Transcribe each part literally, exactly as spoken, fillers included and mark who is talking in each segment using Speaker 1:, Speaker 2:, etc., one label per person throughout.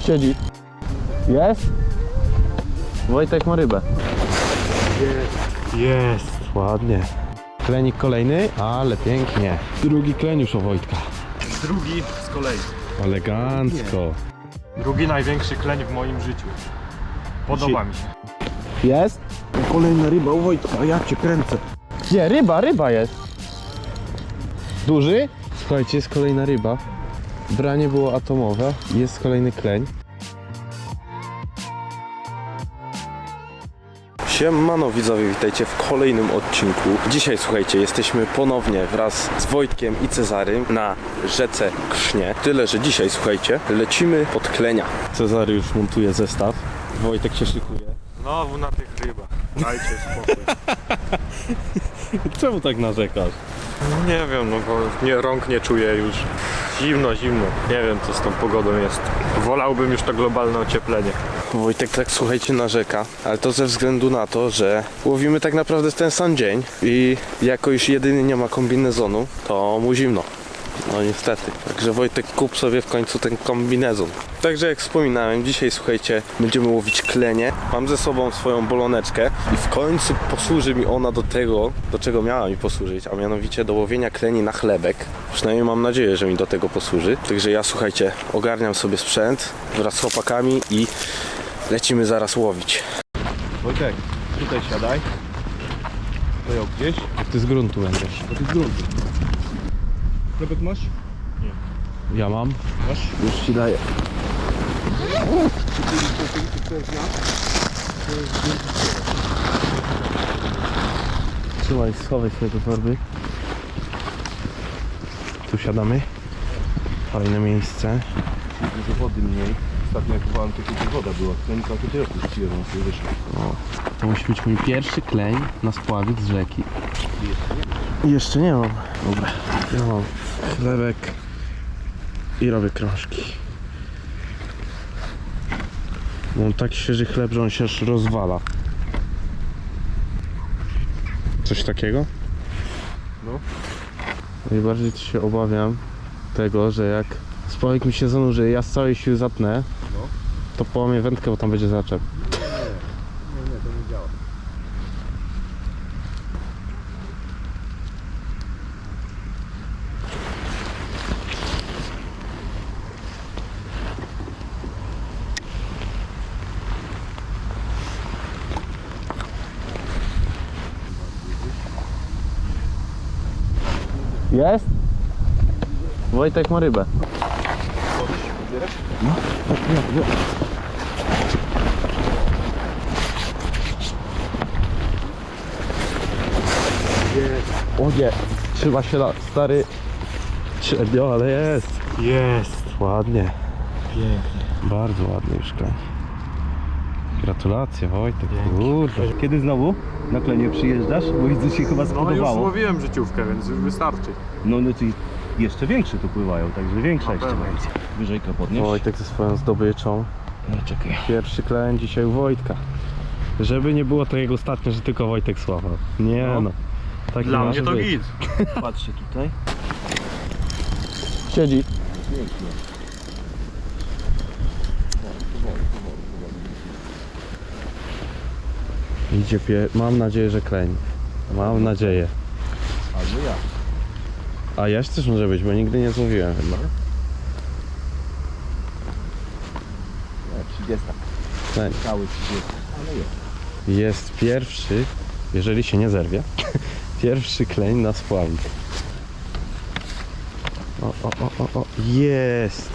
Speaker 1: Siedzi. Jest? Wojtek ma rybę.
Speaker 2: Jest. Jest.
Speaker 1: Ładnie. Klenik kolejny, ale pięknie. Drugi kleniusz u Wojtka.
Speaker 2: Drugi z kolei.
Speaker 1: Elegancko.
Speaker 2: Drugi największy kleń w moim życiu. Podoba mi się.
Speaker 1: Jest?
Speaker 3: Kolejna ryba u Wojtka, ja cię kręcę.
Speaker 1: Nie, ryba, ryba jest. Duży? Słuchajcie, jest kolejna ryba. Branie było atomowe. Jest kolejny kleń.
Speaker 3: Siemano widzowie, witajcie w kolejnym odcinku. Dzisiaj słuchajcie, jesteśmy ponownie wraz z Wojtkiem i Cezarym na rzece Krznie. Tyle, że dzisiaj słuchajcie, lecimy pod klenia. Cezary już montuje zestaw. Wojtek się szykuje.
Speaker 2: Znowu na tych rybach. Dajcie spokój.
Speaker 3: Czemu tak narzekasz?
Speaker 2: Nie wiem, no bo nie, rąk nie czuję już. Zimno, zimno. Nie wiem, co z tą pogodą jest. Wolałbym już to globalne ocieplenie.
Speaker 3: Wojtek tak słuchajcie narzeka, ale to ze względu na to, że łowimy tak naprawdę w ten sam dzień i jako już jedyny nie ma kombinezonu, to mu zimno. No niestety. Także Wojtek, kup sobie w końcu ten kombinezon. Także jak wspominałem, dzisiaj słuchajcie, będziemy łowić klenie. Mam ze sobą swoją boloneczkę i w końcu posłuży mi ona do tego, do czego miała mi posłużyć, a mianowicie do łowienia kleni na chlebek. Przynajmniej mam nadzieję, że mi do tego posłuży. Także ja słuchajcie, ogarniam sobie sprzęt wraz z chłopakami i lecimy zaraz łowić.
Speaker 1: Wojtek, tutaj siadaj. Tutaj gdzieś. Ty z gruntu będziesz.
Speaker 3: To jest grunt. Chlebek masz?
Speaker 2: Nie.
Speaker 1: Ja mam.
Speaker 3: Masz?
Speaker 1: Już ci daję. Trzymaj, schowaj sobie te torby. Tu siadamy. Fajne miejsce.
Speaker 3: Dużo wody mniej. Ostatnio jak byłam, to tutaj woda była. Klenika to tyle puściłem, on sobie wyszło.
Speaker 1: O, to musi być mój pierwszy kleń na spławik z rzeki. Jeszcze nie mam. Dobra, ja mam chlebek i robię krążki. Mam tak świeży chleb, że on się aż rozwala. Coś takiego?
Speaker 2: No.
Speaker 1: Najbardziej to się obawiam tego, że jak spławik mi się zanurzy, ja z całej siły zatnę,
Speaker 2: No.
Speaker 1: to połamię wędkę, bo tam będzie zaczep.
Speaker 2: Nie, nie, to nie działa.
Speaker 1: Jest? Wojtek ma rybę. No, ja, ja. O nie, trzyma się na stary średnio, ale jest.
Speaker 2: Jest.
Speaker 1: Ładnie,
Speaker 2: Pięknie.
Speaker 1: bardzo ładny już kleń. Gratulacje Wojtek,
Speaker 2: Dzięki.
Speaker 1: kurde.
Speaker 4: Kiedy znowu na klenie przyjeżdżasz? Bo widzę, się chyba
Speaker 2: No już
Speaker 4: spodobało.
Speaker 2: złowiłem życiówkę, więc już wystarczy.
Speaker 4: No, no to jeszcze większe tu pływają, także większa
Speaker 2: Na
Speaker 4: jeszcze
Speaker 2: pewno.
Speaker 4: będzie. Wyżejka podnieś.
Speaker 1: Wojtek ze swoją zdobyczą.
Speaker 4: No czekaj.
Speaker 1: Pierwszy kleń dzisiaj u Wojtka. Żeby nie było tak jak ostatnio, że tylko Wojtek sławał. Nie no.
Speaker 2: No.
Speaker 1: Tak
Speaker 2: Dla
Speaker 1: nie
Speaker 2: mnie
Speaker 1: może
Speaker 2: to
Speaker 1: być.
Speaker 2: git.
Speaker 4: Patrzcie tutaj.
Speaker 1: Siedzi.
Speaker 4: Pięknie.
Speaker 1: Idzie pie... Mam nadzieję, że kleń. Mam nadzieję.
Speaker 4: Albo ja.
Speaker 1: A jaś też może być, bo nigdy nie złowiłem chyba.
Speaker 4: Nie, trzydziesta.
Speaker 1: Kleń.
Speaker 4: Cały trzydziesta. Ale jest.
Speaker 1: Jest pierwszy, jeżeli się nie zerwie, pierwszy kleń na spławik. O, o, o, o, o, jest!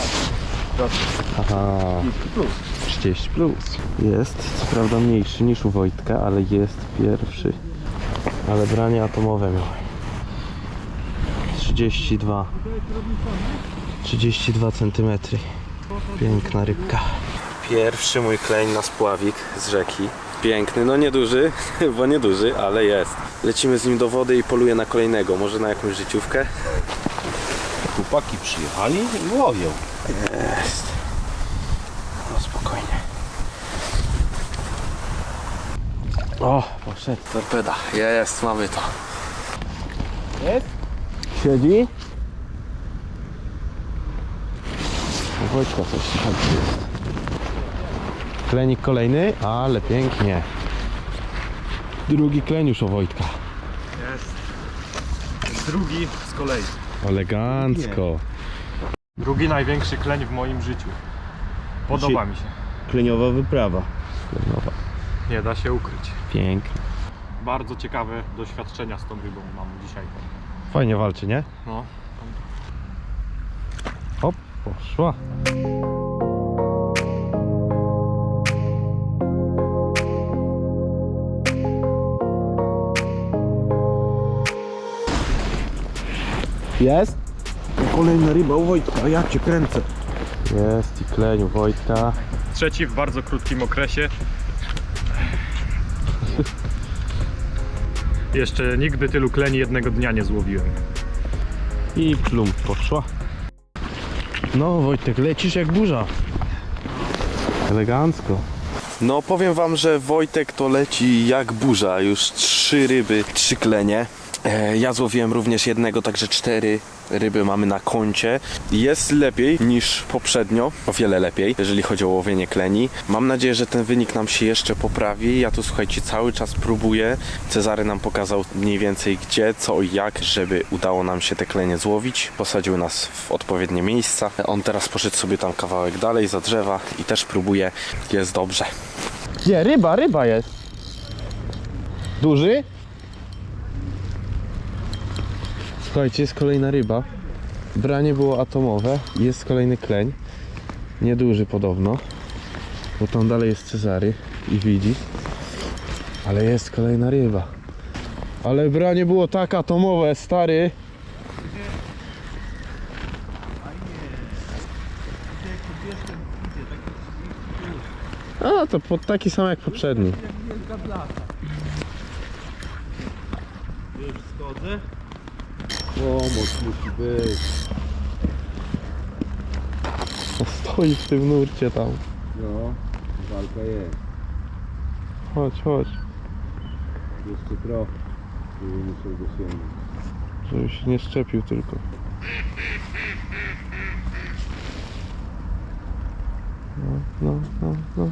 Speaker 1: Aha,
Speaker 4: Plus.
Speaker 1: trzydzieści plus. Jest, co prawda mniejszy niż u Wojtka, ale jest pierwszy. Ale branie atomowe miał. trzydzieści dwa. trzydzieści dwa centymetry. Piękna rybka. Pierwszy mój kleń na spławik z rzeki. Piękny, no nieduży, bo nieduży, ale jest. Lecimy z nim do wody i poluję na kolejnego, może na jakąś życiówkę.
Speaker 4: Chłopaki przyjechali i łowią.
Speaker 1: Jest. No spokojnie. O, poszedł. Torpeda. Jest, mamy to.
Speaker 4: Jest?
Speaker 1: Siedzi?
Speaker 3: Wojtka coś tam jest. Klenik kolejny, ale pięknie. Drugi kleń już o Wojtka.
Speaker 2: Jest. Drugi z kolei.
Speaker 3: Elegancko.
Speaker 2: Drugi największy kleń w moim życiu. Podoba mi się.
Speaker 4: Kleniowa wyprawa.
Speaker 3: Klenowa.
Speaker 2: Nie da się ukryć.
Speaker 3: Pięknie.
Speaker 2: Bardzo ciekawe doświadczenia z tą rybą mam dzisiaj.
Speaker 3: Fajnie walczy, nie?
Speaker 2: No.
Speaker 3: Hop, poszła. Jest?
Speaker 4: Kolejna ryba u Wojtka, ja cię kręcę.
Speaker 3: Jest i kleń u Wojtka.
Speaker 2: Trzeci w bardzo krótkim okresie. Jeszcze nigdy tylu kleni jednego dnia nie złowiłem.
Speaker 3: I plum poszła. No Wojtek, lecisz jak burza. Elegancko.
Speaker 1: No powiem wam, że Wojtek to leci jak burza. Już trzy ryby, trzy klenie. E, ja złowiłem również jednego, także cztery ryby mamy na koncie. Jest lepiej niż poprzednio, o wiele lepiej, jeżeli chodzi o łowienie kleni. Mam nadzieję, że ten wynik nam się jeszcze poprawi. Ja tu, słuchajcie, cały czas próbuję. Cezary nam pokazał mniej więcej gdzie, co i jak, żeby udało nam się te klenie złowić. Posadził nas w odpowiednie miejsca. On teraz poszedł sobie tam kawałek dalej za drzewa i też próbuje. Jest dobrze.
Speaker 3: Gdzie? Ryba, ryba jest. Duży? Słuchajcie, jest kolejna ryba. Branie było atomowe. Jest kolejny kleń. Nieduży podobno. Bo tam dalej jest Cezary i widzi. Ale jest kolejna ryba. Ale branie było tak atomowe, stary. A, to pod taki sam jak poprzedni.
Speaker 4: Już schodzę. Pomoc musi być.
Speaker 3: Stoi w tym nurcie tam.
Speaker 4: No, walka jest.
Speaker 3: Chodź, chodź.
Speaker 4: Jeszcze trochę. Tu muszę dosięgnąć.
Speaker 3: Żeby się nie szczepił tylko. No, no, no, no.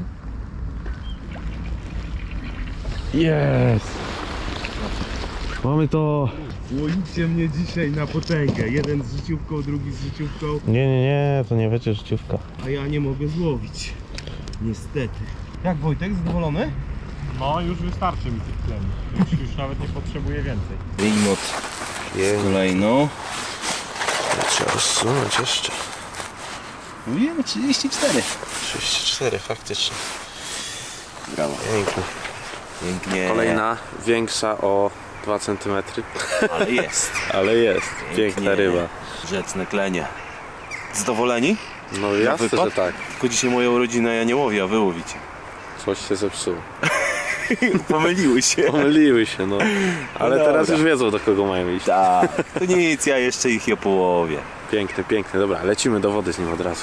Speaker 3: Jest! Mamy to!
Speaker 4: Łoicie mnie dzisiaj na potęgę. Jeden z życiówką, drugi z życiówką,
Speaker 3: Nie, nie, nie, to nie będzie życiówka.
Speaker 4: a ja nie mogę złowić. Niestety. Jak Wojtek, zadowolony?
Speaker 2: No już wystarczy mi tych kleni. Już, już nawet nie potrzebuję więcej.
Speaker 4: Wyjmot z kolejną.
Speaker 1: Trzeba rozsunąć jeszcze.
Speaker 4: Mówiłem trzydzieści cztery.
Speaker 1: trzydzieści cztery faktycznie.
Speaker 4: Brawo.
Speaker 1: Pięknie.
Speaker 4: Pięknie.
Speaker 1: Kolejna, większa o dwa centymetry,
Speaker 4: Ale jest.
Speaker 1: ale jest. Piękna
Speaker 4: Pięknie.
Speaker 1: ryba.
Speaker 4: Rzeczne klenie. Zadowoleni?
Speaker 1: No jasne,
Speaker 4: wypad?
Speaker 1: że tak.
Speaker 4: Tylko dzisiaj moją rodzinę ja nie łowię, a wy łowicie.
Speaker 1: Coś się zepsuło.
Speaker 4: Pomyliły się.
Speaker 1: Pomyliły się, no. Ale
Speaker 4: No
Speaker 1: teraz
Speaker 4: dobra.
Speaker 1: już wiedzą, do kogo mają iść.
Speaker 4: Tak. To nic, ja jeszcze ich je połowię.
Speaker 1: Piękny, piękny. Dobra, lecimy do wody z nim od razu.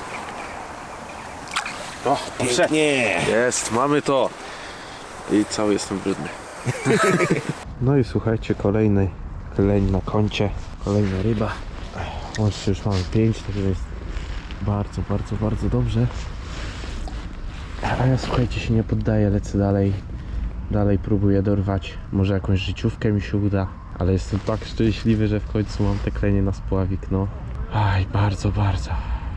Speaker 1: O,
Speaker 4: Pięknie.
Speaker 1: jest, mamy to. I cały jestem brudny.
Speaker 3: No i słuchajcie, kolejny kleń na koncie. Kolejna ryba. Łącznie już mamy pięć, także jest bardzo, bardzo, bardzo dobrze. A ja, słuchajcie, się nie poddaję, lecę dalej. Dalej próbuję dorwać. Może jakąś życiówkę mi się uda. Ale jestem tak szczęśliwy, że w końcu mam te klenie na spławik, no. Aj, bardzo, bardzo.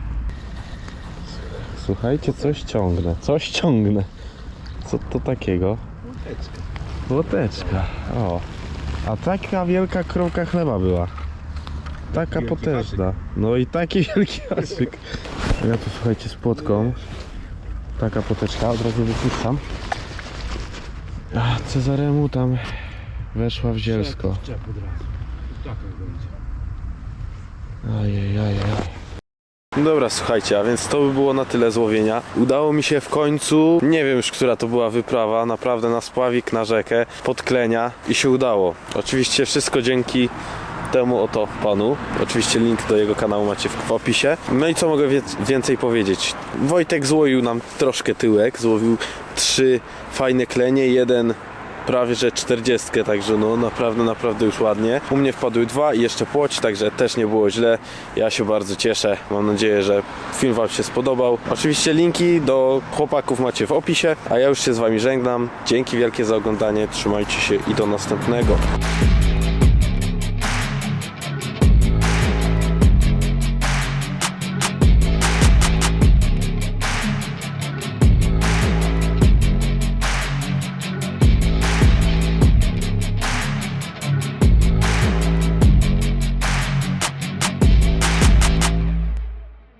Speaker 3: Słuchajcie, coś ciągnę, coś ciągnę. Co to takiego? Łoteczka. O. A taka wielka kromka chleba była. Taka
Speaker 4: Wielki
Speaker 3: potężna. No i taki wielki haczyk. Ja tu, słuchajcie, z płotką. Taka poteczka, od razu wypuszczam. A Cezaremu tam weszła w zielsko.
Speaker 4: Czep od razu. Tak będzie.
Speaker 3: Ajej, ajej.
Speaker 1: Dobra, słuchajcie, a więc to by było na tyle złowienia. Udało mi się w końcu, nie wiem już, która to była wyprawa, naprawdę na spławik, na rzekę, pod klenia i się udało. Oczywiście wszystko dzięki temu oto panu. Oczywiście link do jego kanału macie w, w opisie. No i co mogę wie więcej powiedzieć? Wojtek złowił nam troszkę tyłek, złowił trzy fajne klenie, jeden
Speaker 3: prawie że czterdziestkę, także no naprawdę, naprawdę już ładnie. U mnie wpadły dwa i jeszcze płoć, także też nie było źle. Ja się bardzo cieszę. Mam nadzieję, że film Wam się spodobał. Oczywiście linki do chłopaków macie w opisie, a ja już się z Wami żegnam. Dzięki wielkie za oglądanie, trzymajcie się i do następnego.